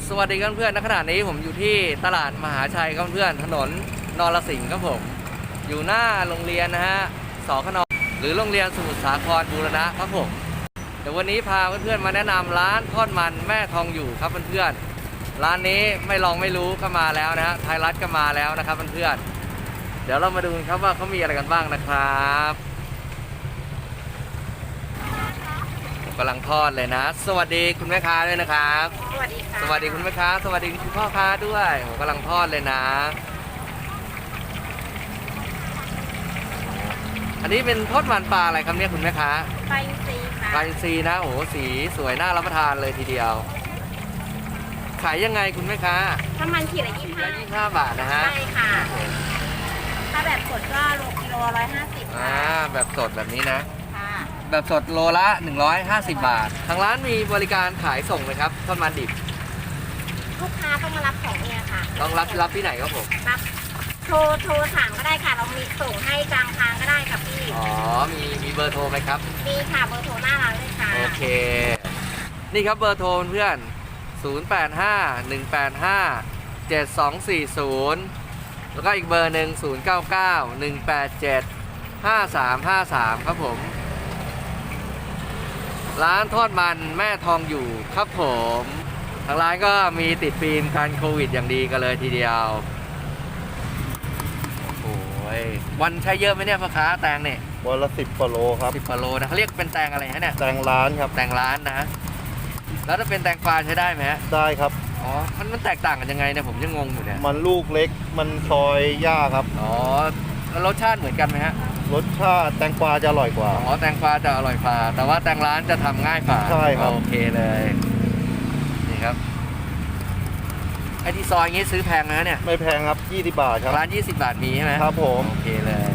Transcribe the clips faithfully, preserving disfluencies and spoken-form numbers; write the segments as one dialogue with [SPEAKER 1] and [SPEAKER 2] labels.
[SPEAKER 1] สวัสดีครับเพื่อนณขณะนี้ผมอยู่ที่ตลาดมหาชัยครับเพื่อนถนนนรสิงห์ครับผมอยู่หน้าโรงเรียนนะฮะสขนหรือโรงเรียนสมุทรสาครบูรณะครับผมเดี๋ยววันนี้พาเพื่อนๆมาแนะนำร้านทอดมันแม่ทองอยู่ครับเพื่อนๆร้านนี้ไม่ลองไม่รู้ก็มาแล้วนะฮะไทยรัฐก็มาแล้วนะครับเพื่อนๆเดี๋ยวเรามาดูครับว่าเขามีอะไรกันบ้างนะครับกำลังทอดเลยนะสวัสดีคุณแม่ค้าด้วยนะครับ
[SPEAKER 2] สวัสดีค่ะ
[SPEAKER 1] สวัสดีคุณแม่ค้าสวัสดีคุณพ่อค้าด้วยผมกำลังทอดเลยนะอันนี้เป็นทอดมันปลาอะไรครับเนี่ยคุณแม่ค้า
[SPEAKER 2] ปลาอินทรีค่ะ
[SPEAKER 1] ปลาอินทรีนะโอ้โหสีสวยน่ารับประทานเลยทีเดียวขายยังไงคุณแม่ค้า
[SPEAKER 2] ถ้ามันขีดละยี่สิบห้า
[SPEAKER 1] ยี่สิบห้าบาทนะฮะ
[SPEAKER 2] ใช่ค่ะถ้าแบบสดก็โลกิโลร้อยห้าสิบ
[SPEAKER 1] อ่าแบบสดแบบนี้นะ
[SPEAKER 2] ค่ะ
[SPEAKER 1] แบบสดโลละหนึ่งร้อยห้าสิบบาททางร้านมีบริการขายส่งไหมครับทอดมันดิบ
[SPEAKER 2] ลูกค้าต้องมารับของเนี่ยค่ะ
[SPEAKER 1] ต้องรับรับที่ไหนครับผม
[SPEAKER 2] รับโทรโทรถามก็ได้ค่ะเรามีส่งให้กลางทางก็ได้ค่ะพี่
[SPEAKER 1] อ๋อมีมีเบอร์โทรไหมครับ
[SPEAKER 2] มีค่ะเบอร์โทรหน้าร้านเลยค่ะ
[SPEAKER 1] โอเคนี่ครับเบอร์โทรเพื่อนศูนย์ แปด ห้า หนึ่ง แปด ห้า เจ็ด สอง สี่ ศูนย์แล้วก็อีกเบอร์หนึ่งศูนย์ เก้า เก้า หนึ่ง แปด เจ็ด ห้า สาม ห้า สามครับผมร้านทอดมันแม่ทองอยู่ครับผมทางร้านก็มีติดฟิล์มกันโควิดอย่างดีกันเลยทีเดียวโอ้ยวันใช้เยอะไหมเนี่ยพ่อค้าแตงเนี่ย
[SPEAKER 3] วันละสิบกว่าโลครับ
[SPEAKER 1] สิบกว่าโลนะเขาเรียกเป็นแตงอะไรฮะเนี่ย
[SPEAKER 3] แตงร้านครับ
[SPEAKER 1] แตงร้านนะแล้วถ้าเป็นแตงกวาใช้ได้ไหมฮะ
[SPEAKER 3] ได้ครับ
[SPEAKER 1] อ๋อมันมันแตกต่างกันยังไงเนี่ยผมยังงงอยู่เนี่ย
[SPEAKER 3] มันลูกเล็กมันซอยยากครับ
[SPEAKER 1] อ๋อแล้วรสชาติเหมือนกันไหมฮะ
[SPEAKER 3] รสชาติแตงกวาจะอร่อยกว่า
[SPEAKER 1] อ๋อแตงกวาจะอร่อยกว่าแต่ว่าแตงร้านจะทำง่ายกว่า
[SPEAKER 3] ใช่ครับ
[SPEAKER 1] โอเคเลยนี่ครับไอ้ที่ซอยงี้ซื้อแพงนะเนี่ย
[SPEAKER 3] ไม่แพงครับยี่สิบบาทครับ
[SPEAKER 1] ร้านยี่สิบบาทมีใช่ไหม
[SPEAKER 3] ครับผม
[SPEAKER 1] โอเคเลย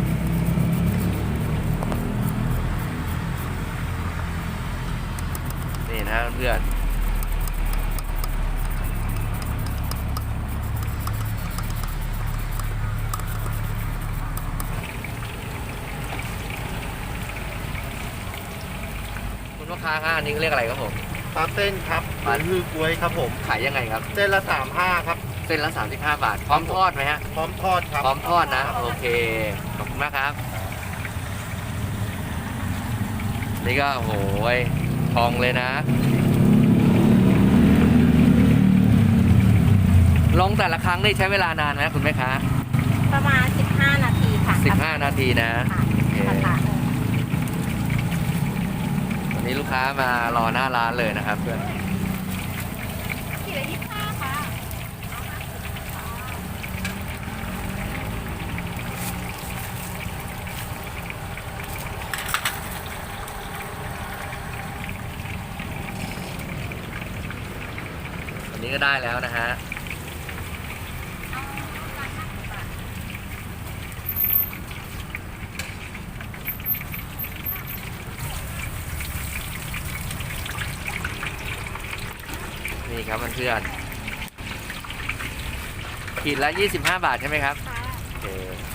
[SPEAKER 1] นี่นะเพื่อนลูกค้าฮะอันนี้เรียกอะไรครับผม
[SPEAKER 3] ปลาเส้นครับปลาฮือกล้วยครับผม
[SPEAKER 1] ขายยังไงครับ
[SPEAKER 3] เส้นละสามห้าครับ
[SPEAKER 1] เส้นละสามสิบห้าบาทพร้อมทอดไหมฮะ
[SPEAKER 3] พร้อมทอดครับ
[SPEAKER 1] พร้อมทอดนะโอเคขอบคุณมากครับนี่ก็โหยทองเลยนะลงแต่ละครั้งนี่ใช้เวลานานไหมคุณแม่ค้า
[SPEAKER 2] ประมาณสิบห้านาทีค่ะ
[SPEAKER 1] สิบห้านาทีนะโอเควันนี้ลูกค้ามารอหน้าร้านเลยนะครับเพื่อน
[SPEAKER 2] ขีดละยี่สิบห้าค่ะ
[SPEAKER 1] วันนี้ก็ได้แล้วนะฮะนี่ครับเพื่อนๆขีดละยี่สิบห้าบาทใช่ไหมครับโอเค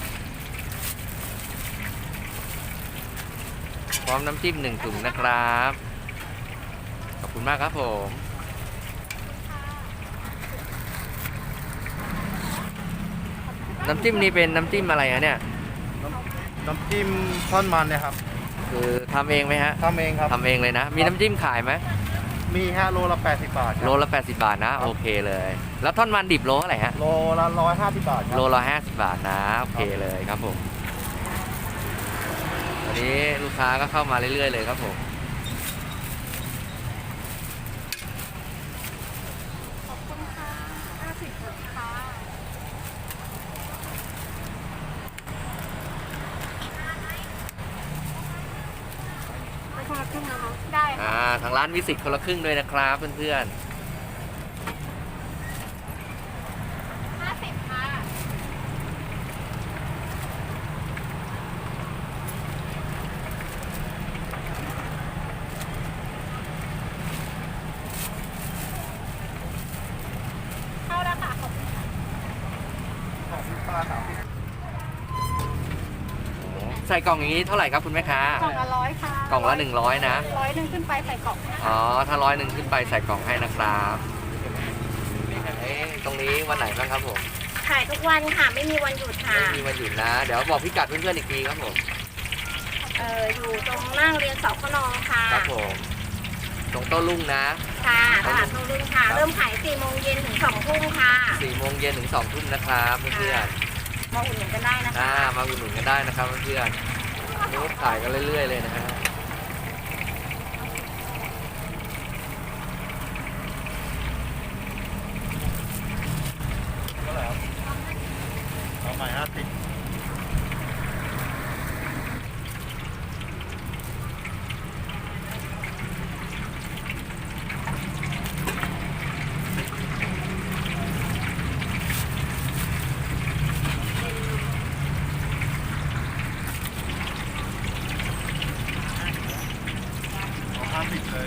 [SPEAKER 1] พร้อมน้ำจิ้มหนึ่งถุงนะครับขอบคุณมากครับผมน้ำจิ้มนี้เป็นน้ำจิ้มอะไรฮะเนี่ย
[SPEAKER 3] น้ำจิ้มทอดมันเนี่ยครับ
[SPEAKER 1] คือทำเองไหมฮะ
[SPEAKER 3] ทำเองครับ
[SPEAKER 1] ทำเองเลยนะมีน้ำจิ้มขายไหม
[SPEAKER 3] มีฮะโลละแปดสิบบาท
[SPEAKER 1] โลละแปดสิบบาทนะโอเคเลยแล้วท่อนมันดิบโลเท่าไหร่ฮะ
[SPEAKER 3] โลละร้อยห้าสิบบาท
[SPEAKER 1] โลละห้าสิบบาทนะโอเคเลยครับผมวันนี้ลูกค้าก็เข้ามาเรื่อยๆเลยครับผม
[SPEAKER 2] ขอบคุณค่ะห้าสิบค่ะไปคนละครึ่งนะคะได้
[SPEAKER 1] อ่าทางร้านวิสิตคนละครึ่งด้วยนะครับเพื่อน
[SPEAKER 2] ๆห้าสิบค่ะเข้าแล้วค่ะขอบคุณค่ะ
[SPEAKER 3] สามสิบปลาสามสิบ
[SPEAKER 1] ใส่กล่องอย่างนี้เท่าไหร่ครับคุณแม่ค้าก
[SPEAKER 2] ล่องละร้อยค่ะ
[SPEAKER 1] กล่องละหนึ่งร้อยนะ
[SPEAKER 2] ร้อยหนึ่งขึ้นไปใส่กล่อง
[SPEAKER 1] อ๋อถ้าร้อยหนึ่งขึ้นไปใส่กล่องให้นะครับตรงนี้วันไหนบ้างครับผม
[SPEAKER 2] ขายทุกวันค่ะ ไม่มีวันหยุดค่ะ
[SPEAKER 1] ไม่มีวันหยุดนะ เดี๋ยวบอกพิกัดเพื่อนๆอีกทีครับผม
[SPEAKER 2] เอออยู่ตรงหน้าโรงเรียนสขนค่ะ
[SPEAKER 1] ครับผมตรงโต้รุ่งนะ
[SPEAKER 2] ค่ะตลาดโต้รุ่งค่ะ เริ่มขายสี่โมงเย็นถึงสองทุ่มค่ะ
[SPEAKER 1] สี่โมงเย็นถึงสองทุ่มนะครับเพื่อน
[SPEAKER 2] มาอุดหนุนกันได้นะ
[SPEAKER 1] ๆอ่า
[SPEAKER 2] คะ
[SPEAKER 1] มาอุดหนุนกันได้นะครับเพื่อนๆนี่ขายกันเรื่อยๆเลยนะฮะ
[SPEAKER 3] เท่าไหร่ครับเอาใหม่ห้าสิบ เอาห้าสิบเลย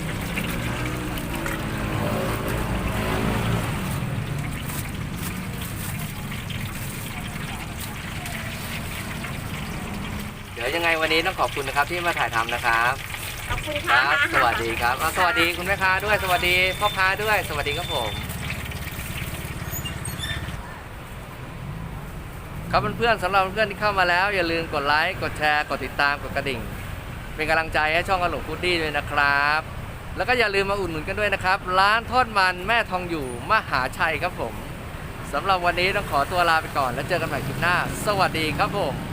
[SPEAKER 1] เดี๋ยวยังไงวันนี้ต้องขอบคุณนะครับที่มาถ่ายทำนะครับ
[SPEAKER 2] ขอบคุณ
[SPEAKER 1] ค
[SPEAKER 2] ค่ะ
[SPEAKER 1] รับ สวัสดีครับอ่ะสวัสดีคุณแม่ค้าด้วย สวัสดีพ่อค้าด้วย สวัสดีครับผม ครับเพื่อนๆสำหรับเพื่อนที่เข้ามาแล้วอย่าลืมกดไลค์ กดแชร์ กดติดตาม กดกระดิ่ง เป็นกำลังใจให้ช่องกระหลงฟูดดี้ด้วยนะครับ แล้วก็อย่าลืมมาอุดหนุนกันด้วยนะครับ ร้านทอดมันแม่ทองอยู่มหาชัยครับผมสำหรับวันนี้ต้องขอตัวลาไปก่อนแล้วเจอกันใหม่คลิปหน้า สวัสดีครับผม